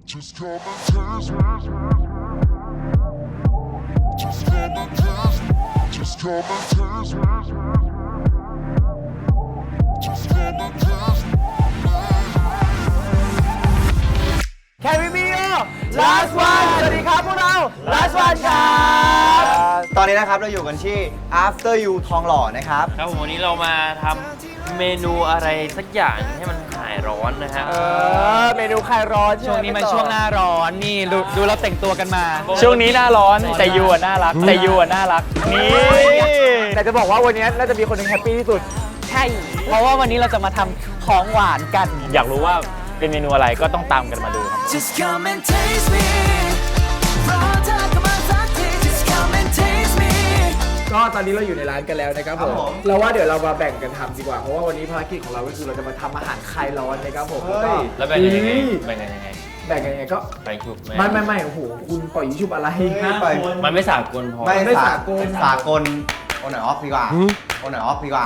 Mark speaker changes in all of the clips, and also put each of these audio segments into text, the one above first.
Speaker 1: Just come and taste me. Just come and taste me. Just come and taste me. Just come and taste me.
Speaker 2: Can we be your last one สวัสดีครับพวกเรา last one ครับ
Speaker 3: ตอนนี้นะครับเราอยู่กันที่ After You ทองหล่อนะครับ
Speaker 4: ครับผมวันนี้เรามาทำเมนูอะไรสักอย่างให้มันหายร้อนนะฮะ
Speaker 2: เมนูคลายร้อน
Speaker 5: ช่วงนี้มันช่วงหน้าร้อนนี่ดูเราแต่งตัวกันมา
Speaker 4: ช่วงนี้หน้าร้อนแต่ยูน่ารักแต่ยูน่ารักนี่
Speaker 2: แต่จะบอกว่าวันนี้น่าจะมีคนหนึงแฮปปี้ที่สุด
Speaker 5: ใช่ เพราะว่าวันนี้เราจะมาทำของหวานกัน
Speaker 4: อยากรู้ว่าเป็นเมนูอะไรก็ต้องตามกันมาดูครับ
Speaker 6: Just come and taste me รอเธอเข้ามาสักที Just come and taste me
Speaker 2: ก็ตอนนี้เราอยู่ในร้านกันแล้วนะครับผมเราว่าเดี๋ยวเรามาแบ่งกันทำดีกว่าเพราะว่าวันนี้ภารกิจของเราก็คือเราจะมาทำอาหารคลายร้อนนะครับผมแล้วก็
Speaker 4: แล้วแบ่งกันยังไงแบ่งกันยังไง
Speaker 2: แบ่งกันยังไงก็
Speaker 4: แบ่งชุบ
Speaker 2: ไม่โอ้โหคุณปล่อยยิชุบอะไร
Speaker 4: มันไม่สากลพอ
Speaker 3: ไม่
Speaker 2: สากล
Speaker 3: สากลโอนไหนออฟดีกว่าโอนไหนออฟดีกว่า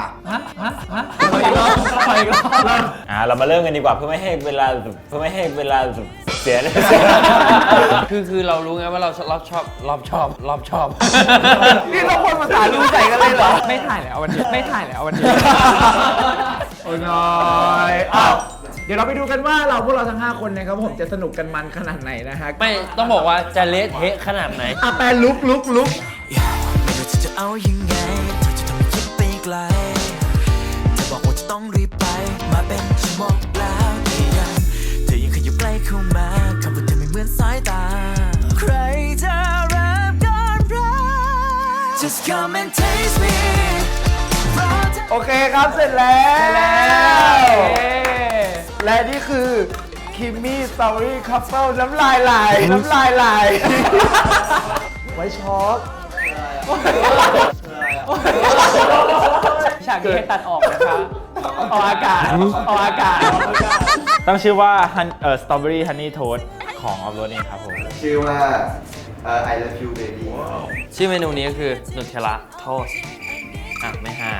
Speaker 4: เรามาเริ่มกันดีกว่าเพื่อไม่ให้เวลาเสียเลย คือเรารู้ไงว่าเราชอบ
Speaker 2: นี่เราคนภาษารู้ใจกันเลยเหรอ
Speaker 5: ไม่ถ่ายแล้ววันนี้ไม่ถ่ายแล้ววันนี้
Speaker 2: โอ้ยน้อยอ้าวเดี๋ยวเราไปดูกันว่าพวกเราทั้ง 5 คนนะครับผมจะสนุกกันมันขนาดไหนนะฮะ
Speaker 4: ไม่ต้องบอกว่าจะเละเทะขนาดไหน
Speaker 2: อ่ะแปลลุก
Speaker 6: ไม่ว่าเธอจะเอายังไงเธอจะทำให้คิดไปไกลเธอบอกว่าจะต้องรีบไปมาเป็นชั่วโมงแล้วเธอยังขยับใกล้เข้ามาคำพูดเธอไม่เหมือนสายตาใครจะรับก่อนรัก Just come and taste me
Speaker 2: โอเคครับเสร็จแล้ว และนี่คือคิมมี่สตรอเบอรี่คัพเฟิลน้ำลายไหลไว้ช็อก
Speaker 5: ฉากนี้ให้ตัดออกนะคะออกอากาศ
Speaker 4: ต้องชื่อว่าสตรอเบอรี่ฮันนี่โทสของออฟโรดเองครับผม
Speaker 3: ชื่อว่าI love you baby
Speaker 4: ชื่อเมนูนี้ก็คือนูเทลล่าโทสไม่หา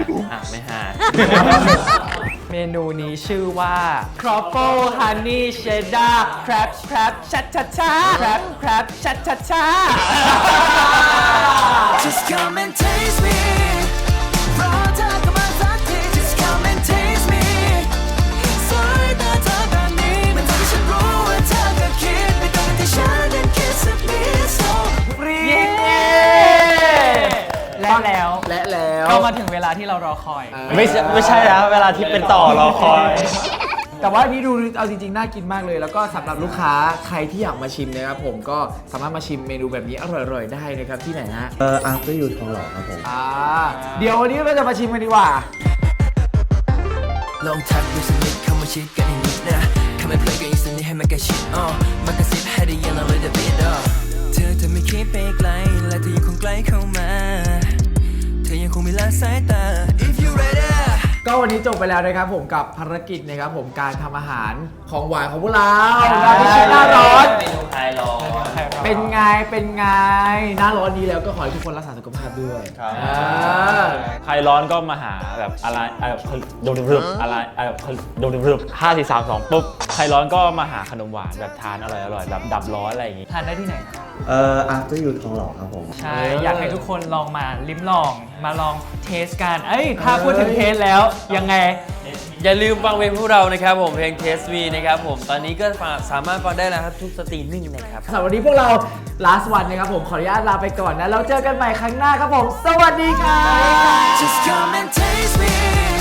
Speaker 5: เมนูนี้ชื่อว่า Truffle Honey Cheddar Crab Chat Chat Chat Crab Chat Chat Chat
Speaker 6: Just come and taste me รอเธอเข้ามาสักที Just come and taste me สายตาเธอแบบนี้มันทำให้ฉันรู้ว่าเธอก็คิดไม่ต้องที่ฉันนั้นคิดสักนิด So
Speaker 5: และแล้ว ก็มาถึงเวลาที่เรารอคอย
Speaker 4: ไม่ใช่นะเวลาที่เป็นต่อรอคอย
Speaker 2: แต่ว่านี่ดูเอาจริงๆน่ากินมากเลย แล้วก็สำหรับลูกค้าใครที่อยากมาชิมนะครับผมก็สามารถมาชิมเมนูแบบนี้อร่อยๆได้นะครับที่ไหนฮะ
Speaker 3: After You ทองหล่อครับผม
Speaker 2: เดี๋ยววันนี้เราจะมาชิมกันดีกว่า
Speaker 6: ลองทักดูสักนิดเข้ามาชิดกันอีกนิดนะเข้ามาเพลงกันอีกสักนิดให้มันกระชิดมันกระซิบให้ได้ยินเราเลยเดบิดเธอไม่คิดไปไกลและเธอยังคงใกล้เข้ามาเธอยังคงมีละสายตา If you ready
Speaker 2: ก็วันนี้จบไปแล้วนะครับผมกับภารกิจนะครับผมการทำอาหารของหวานของพวกเราหน้าร้อน
Speaker 4: เมนูคลายร้อน
Speaker 2: เป็นไงหน้าร้อนนี้แล้วก็ขอให้ทุกคนรักษาสุขภาพด้วย
Speaker 4: ใครร้อนก็มาหาแบบอะไรโดนรึบอะไรโดนรึบ5 4 3 2ปุ๊บใครร้อนก็มาหาขนมหวานแบบทานอร่อยแบบดับร้อนอะไรอย่างงี้
Speaker 5: ทานได้ที่ไหน
Speaker 3: After You ทองหล่อครับผม
Speaker 5: ใช่ อยากให้ทุกคนลองมาลิ้มลองมาลองเทสกันถ้าพูดถึงเทสแล้วยังไง
Speaker 4: อย่าลืมฟังเพลงพวกเรานะครับผมเพลง Taste Me นะครับผมตอนนี้ก็สามารถฟังได้แล้วครับทุกสตรีมมิ่งนะครับ
Speaker 2: สำหรับวันนี้พวกเรา last one นะครับผมขออนุญาตลาไปก่อนนะแล้วเจอกันใหม่ครั้งหน้าครับผมสวัสดีครับ
Speaker 6: Just come and taste me